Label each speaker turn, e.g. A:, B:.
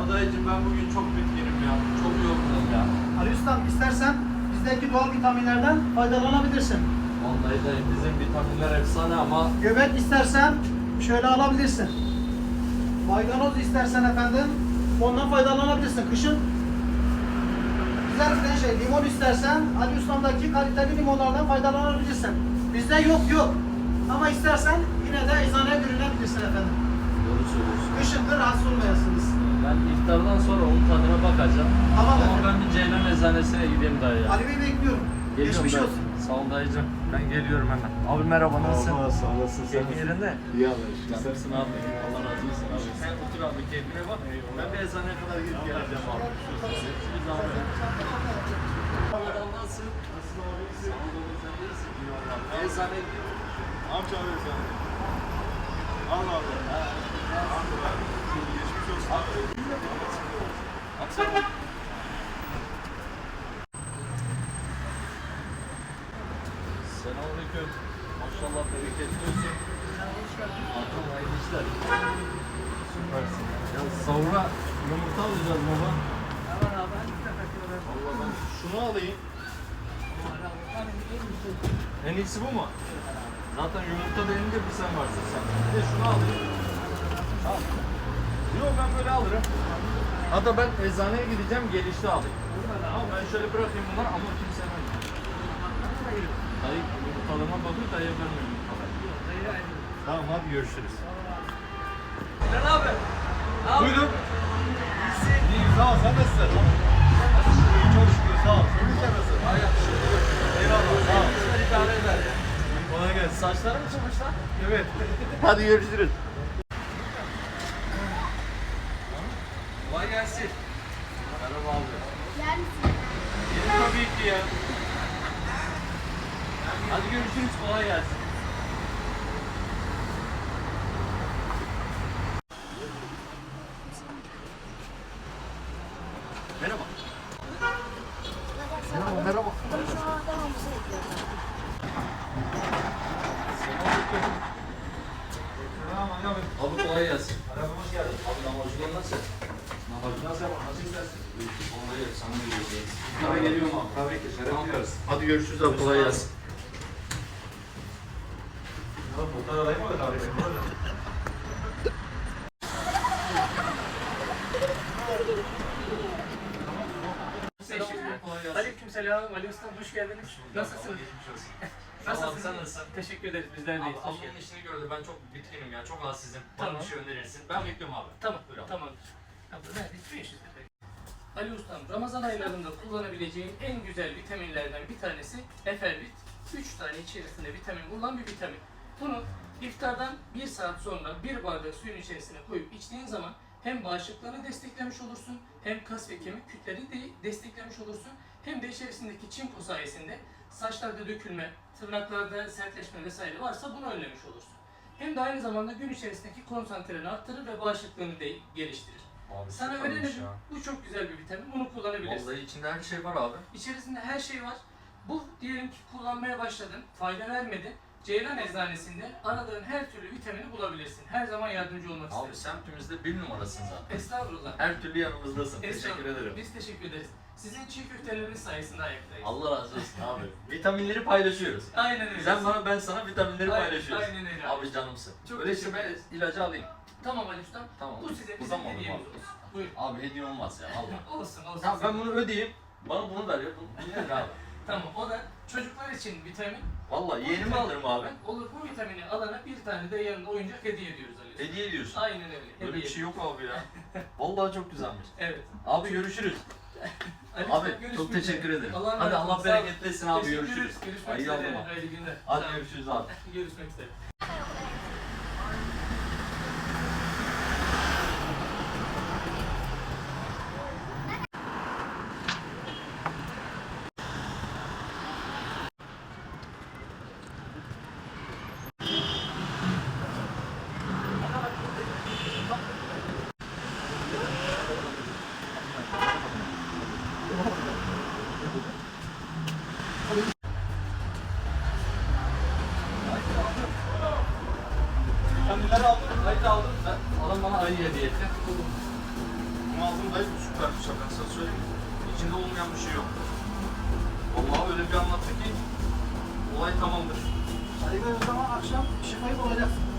A: dayıcım ben bugün çok bitkinim ya. Çok yorgunum ya.
B: Ali Ustam istersen bizdeki doğal vitaminlerden faydalanabilirsin.
A: Vallahi dayı bizim vitaminler efsane ama
B: Göbek istersen şöyle alabilirsin. Maydanoz istersen efendim ondan faydalanabilirsin. Kışın güzel bir şey limon istersen Ali Ustam'daki kaliteli limonlardan faydalanabilirsin. Bizde yok. Ama istersen yine de eczaneye görünebilirsin efendim.
A: doğru söylüyorsun.
B: Kışın da rahatsız olmayasınız.
A: Ben iftardan sonra onun tadına bakacağım.
B: Tamam
A: Ama
B: efendim.
A: ben bir Ceylan eczanesine gideyim dayı ya.
B: Ali Bey bekliyorum.
A: Geliyorum
B: Geçmiş
A: dayı.
B: olsun.
A: Sağ ol dayıcım. Ben geliyorum hemen. Abi merhaba nasılsın?
C: Merhaba, sağ olasın. Sen
A: Keyfin yerinde?
C: İyi haber.
A: Nasılsın abi? Allah razı olsun abi. Sen otur abi keyfine bak. Ben bir eczaneye kadar gidip geleceğim abi. Bir zahmet. Adam nasılsın?
C: Nasılsın abi?
A: Sağ ol oğlum sen iyisin. Eczaneye gidiyorum.
C: Amca abi sen. Allah Allah. Allah. Geçmiş olsun.
A: Selamünaleyküm. Maşallah bereketli olsun. Hakan hayırlı işler. Süpersin. Ya sahura yumurta alacağız baba. Allah ben şunu alayım. En iyisi bu mu? Zaten yumurta denince bir sen varsın sen. Bir de şunu alayım. Tamam. Yok ben böyle alırım. Hatta ben eczaneye gideceğim gelişte alayım. Ama ben şöyle bırakayım bunları ama kimse vermiyor. Dayı yumurtalarıma bakıyor dayıya vermiyor yumurtaları. Tamam hadi görüşürüz. Sen abi.
C: Buyurun. İyiyim sağ ol. Sen nasılsın? İyi çok şükür sağ ol. Sen nasılsın? Eyvallah sağ ol.
A: İdare eder ya.
C: Kolay gelsin.
A: Saçları mı çıkmış lan?
C: Evet.
A: Hadi görüşürüz. Kolay gelsin. Merhaba abi.
D: Yer misin?
A: Yedim tabii ki ya. Hadi görüşürüz. Kolay gelsin. Merhaba. Merhaba. Selamünaleyküm. Abi kolay gelsin.
C: Merhaba hoş geldin.
A: Abi namazcılar nasıl?
C: Nasıl yapalım? Nasıl gidersin?
A: Kolay gelsin. Sana geliyor.
C: Tabii geliyorum abi. Tabii ki. Şeref
A: Tamam.
C: duyarız.
A: Hadi görüşürüz abi. Kolay gelsin.
C: Ya bunlar alayım mı? Tabii.
E: Aleykümselam, Ali Usta hoş geldiniz. Nasılsınız?
A: Nasılsın? Sen nasılsın?
E: Teşekkür ederiz, bizler deyiz.
A: Abi ablamın işini gördü. Ben çok bitkinim ya. Çok halsizim. Bana
E: Tamam.
A: bir şey önerirsin. Ben bekliyorum abi.
E: Tamam,
A: Buyur abi.
E: tamam. Abla neredeyiz? 500 lira. Ali Ustam, Ramazan aylarında kullanabileceğin en güzel vitaminlerden bir tanesi Efervit. 3 tane içerisinde vitamin bulunan bir vitamin. Bunu iftardan 1 saat sonra 1 bardak suyun içerisine koyup içtiğin zaman hem bağışıklığını desteklemiş olursun, hem kas ve kemik kütlerini de desteklemiş olursun, hem de içerisindeki çinko sayesinde saçlarda dökülme, tırnaklarda sertleşme vesaire varsa bunu önlemiş olursun. Hem de aynı zamanda gün içerisindeki konsantreni arttırır ve bağışıklığını de geliştirir.
A: Abi
E: Sana
A: süpermiş
E: öneririm,
A: ya.
E: bu çok güzel bir vitamin, bunu kullanabilirsin.
A: Vallahi içinde her şey var abi.
E: İçerisinde her şey var. Bu diyelim ki kullanmaya başladın, fayda vermedi. Ceylan Eczanesinde aradığın her türlü vitamini bulabilirsin. Her zaman yardımcı olmak
A: Abi
E: isteriz.
A: semtimizde bir numarasın zaten.
E: Estağfurullah.
A: Her türlü yanımızdasın. Teşekkür
E: Estağfurullah.
A: ederim.
E: Biz teşekkür ederiz. Sizin çiğ köfteleriniz sayesinde ayaktayız.
A: Allah razı olsun abi. Vitaminleri paylaşıyoruz.
E: Aynen öyle.
A: Sen bana ben sana vitaminleri
E: Aynen-
A: paylaşıyoruz.
E: aynen öyle.
A: Abi canımsın.
E: Çok
A: Öyle işte
E: teşekkür
A: ben ilacı alayım.
E: Tamam Ali Ustam.
A: Tamam.
E: Bu size bizim
A: Uzanmadım
E: hediyemiz
A: abi.
E: olsun. Buyurun.
A: Abi hediye olmaz ya Allah.
E: Olsun olsun.
A: Tamam ben bunu ödeyeyim. Bana bunu ver ya. Bu nedir abi?
E: Tamam o da çocuklar için vitamin.
A: Vallahi yeğenimi alırım abi.
E: Olur bu vitamini alana bir tane de yanında oyuncak hediye ediyoruz Ali Usta.
A: Hediye ediyorsun.
E: Aynen öyle.
A: Böyle
E: hediye
A: bir şey yok abi ya. Vallahi çok güzelmiş.
E: Evet.
A: Abi görüşürüz.
E: Ali
A: Abi
E: Usta, görüşmek
A: çok teşekkür
E: üzere.
A: ederim.
E: Allah'a
A: Hadi
E: emanet olun.
A: Allah
E: Sağ olun.
A: bereket etsin abi
E: Teşekkür
A: görüşürüz.
E: ederiz. Görüşmek
A: Ay
E: üzere.
A: yavrum.
E: Hayırlı günler.
A: Hadi
E: Sağ olun.
A: görüşürüz abi.
E: Görüşmek üzere.
A: Ben bunları aldım. Ayı aldım. Ben, adam bana ayı hediye etti. Bunu aldım dayı, bu süper bir şey, ben sana söyleyeyim. İçinde olmayan bir şey yok. Vallahi öyle bir anlattı ki olay tamamdır.
B: Ali Bey o zaman akşam şifayı bulacaksın.